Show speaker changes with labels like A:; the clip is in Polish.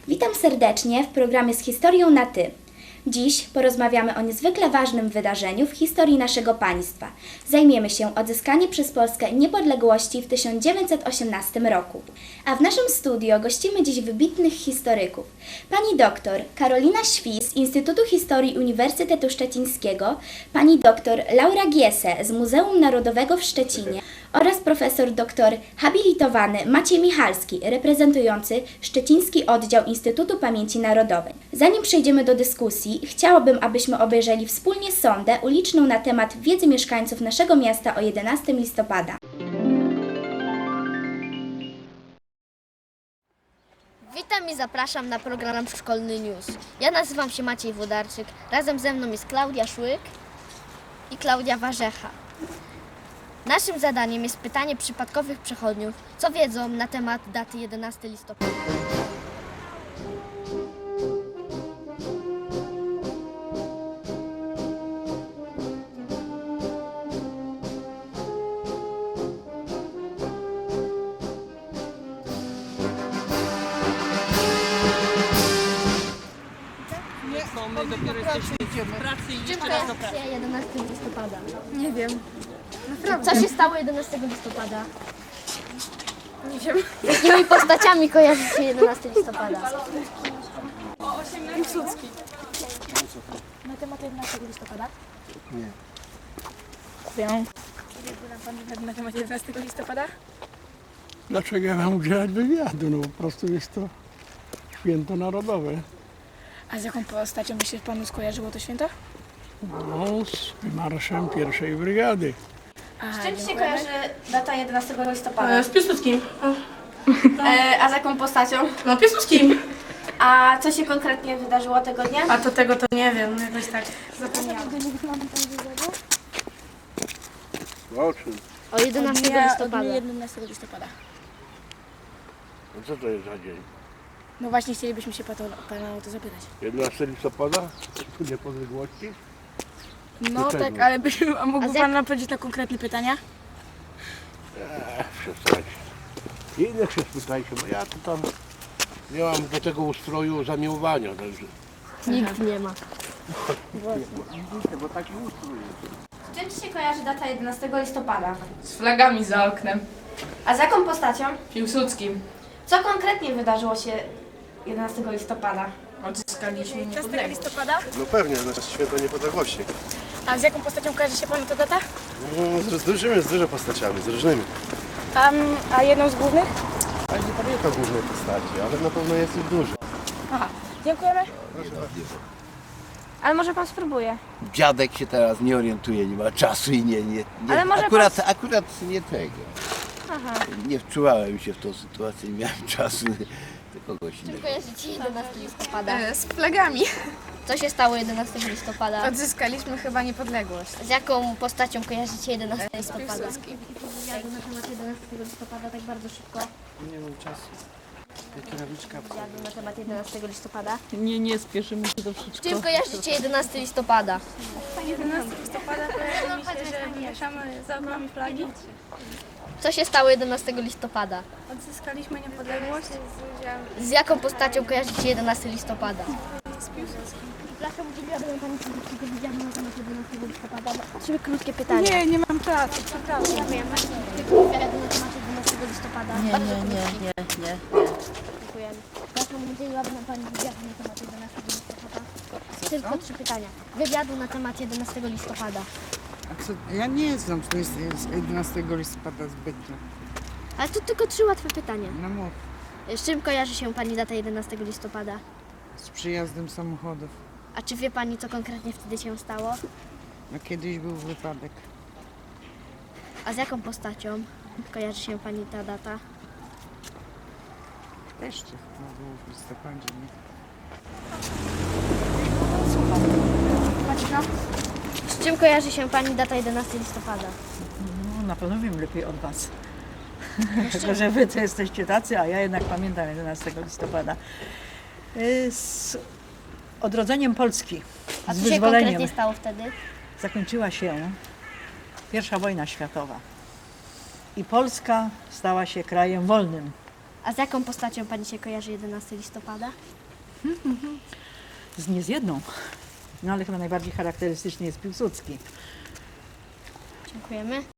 A: Witam serdecznie w programie z historią na Ty. Dziś porozmawiamy o niezwykle ważnym wydarzeniu w historii naszego państwa. Zajmiemy się odzyskaniem przez Polskę niepodległości w 1918 roku. A w naszym studio gościmy dziś wybitnych historyków. Pani doktor Karolina Świs z Instytutu Historii Uniwersytetu Szczecińskiego, pani doktor Laura Giese z Muzeum Narodowego w Szczecinie oraz profesor doktor habilitowany Maciej Michalski, reprezentujący Szczeciński Oddział Instytutu Pamięci Narodowej. Zanim przejdziemy do dyskusji, chciałabym, abyśmy obejrzeli wspólnie sondę uliczną na temat wiedzy mieszkańców naszego miasta o 11 listopada.
B: Witam i zapraszam na program Szkolny News. Ja nazywam się Maciej Włodarczyk. Razem ze mną jest Klaudia Szłyk i Klaudia Warzecha. Naszym zadaniem jest pytanie przypadkowych przechodniów, co wiedzą na temat daty 11 listopada.
C: My dopiero jesteśmy w pracy i jeszcze raz do pracy.
B: 11 listopada.
D: Nie wiem. Naprawdę.
B: Co się stało 11 listopada?
D: Nie wiem.
B: Z jakimi postaciami kojarzy się 11 listopada?
D: Piłsudski.
B: Na temat 11 listopada?
D: Wiem. Wie pan na temat 11 listopada?
E: Dlaczego ja mam udzielać wywiadu? No po prostu jest to święto narodowe.
D: A z jaką postacią by się panu skojarzyło to święto?
E: No, z wymarszem pierwszej brygady.
D: A,
F: Z czym się kojarzy data 11 listopada?
C: Z Piłsudskim.
F: A z jaką postacią?
C: No Piłsudskim.
F: A co się konkretnie wydarzyło tego dnia?
C: A to tego to nie wiem, jakoś tak.
E: O czym?
B: O 11 listopada.
D: 11 listopada.
E: No co to jest za dzień?
D: No właśnie chcielibyśmy się pana o to zapytać.
E: 11 listopada? Niepodległości?
D: No
E: Dlaczego?
D: tak, ale a mógłby
B: A z jak-
D: pan odpowiedzieć na konkretne pytania?
E: Przestań. Innych się spytajcie, bo ja to tam nie mam do tego ustroju zamiłowania, także...
B: Nikt nie ma.
E: Bo taki ustrój jest.
F: Z czym ci się kojarzy data 11 listopada?
C: Z flagami za oknem.
F: A z jaką postacią?
C: Piłsudskim.
F: Co konkretnie wydarzyło się 11 listopada?
C: Odzyskaliśmy
D: 11
C: niepodległość.
D: listopada?
G: No pewnie, na święto niepodległości.
D: A z jaką postacią kojarzy się panu ta data?
G: No, z dużo postaciami, z różnymi.
D: A jedną z głównych?
G: Ale nie pamiętam głównej postaci, ale na pewno jest ich dużo.
D: Aha, dziękujemy.
F: Ale może pan spróbuje.
H: Dziadek się teraz nie orientuje, nie ma czasu i nie
F: Ale może
H: akurat nie tego. Nie wczuwałem się w tą sytuację, nie miałem czasu do kogoś innego.
B: Kojarzycie 11 listopada?
D: Z flagami.
B: Co się stało 11 listopada?
D: Odzyskaliśmy chyba niepodległość.
B: Z jaką postacią kojarzycie 11 listopada? Wywiadu na temat 11 listopada tak bardzo szybko.
G: Nie mam czasu.
B: Wywiadu na temat 11 listopada.
C: Nie spieszymy się do wszystkiego.
B: Czym kojarzycie 11 listopada?
D: 11 listopada kojarzy mi się, że mieszamy za oknami flagi.
B: Co się stało 11 listopada?
D: Odzyskaliśmy niepodległość.
B: Z jaką postacią kojarzycie 11 listopada?
D: Z Piłsudskim.
B: Przepraszam, udzieliłabym Pani krótkiego wywiadu na temat 11 listopada. Trzy krótkie pytania.
D: Nie mam czasu, przepraszam.
B: Ja wiem, wywiadu na temat 11 listopada. Bardzo krótki.
H: nie.
B: Dziękujemy. Przepraszam, udzieliłabym Pani wywiadu na temat 11 listopada. Tylko trzy pytania. Wywiadu na temat 11 listopada.
I: Ja nie znam, co jest 11 listopada zbytnio.
B: Ale to tylko trzy łatwe pytania.
I: No mów,
B: Z czym kojarzy się Pani data 11 listopada?
I: z przyjazdem samochodów.
B: A czy wie Pani, co konkretnie wtedy się stało?
I: No kiedyś był wypadek.
B: A z jaką postacią kojarzy się Pani ta data?
I: Też to chyba było w listopadzie, nie?
B: Z czym kojarzy się Pani data 11 listopada?
J: No, na pewno wiem lepiej od Was. Tylko, że Wy to jesteście tacy, a ja jednak pamiętam 11 listopada. Z odrodzeniem Polski,
B: A
J: z
B: co się
J: wyzwoleniem,
B: konkretnie stało wtedy?
J: zakończyła się I wojna światowa. I Polska stała się krajem wolnym.
B: A z jaką postacią Pani się kojarzy 11 listopada?
J: Nie z jedną. No ale chyba najbardziej charakterystyczny jest Piłsudski.
B: Dziękujemy.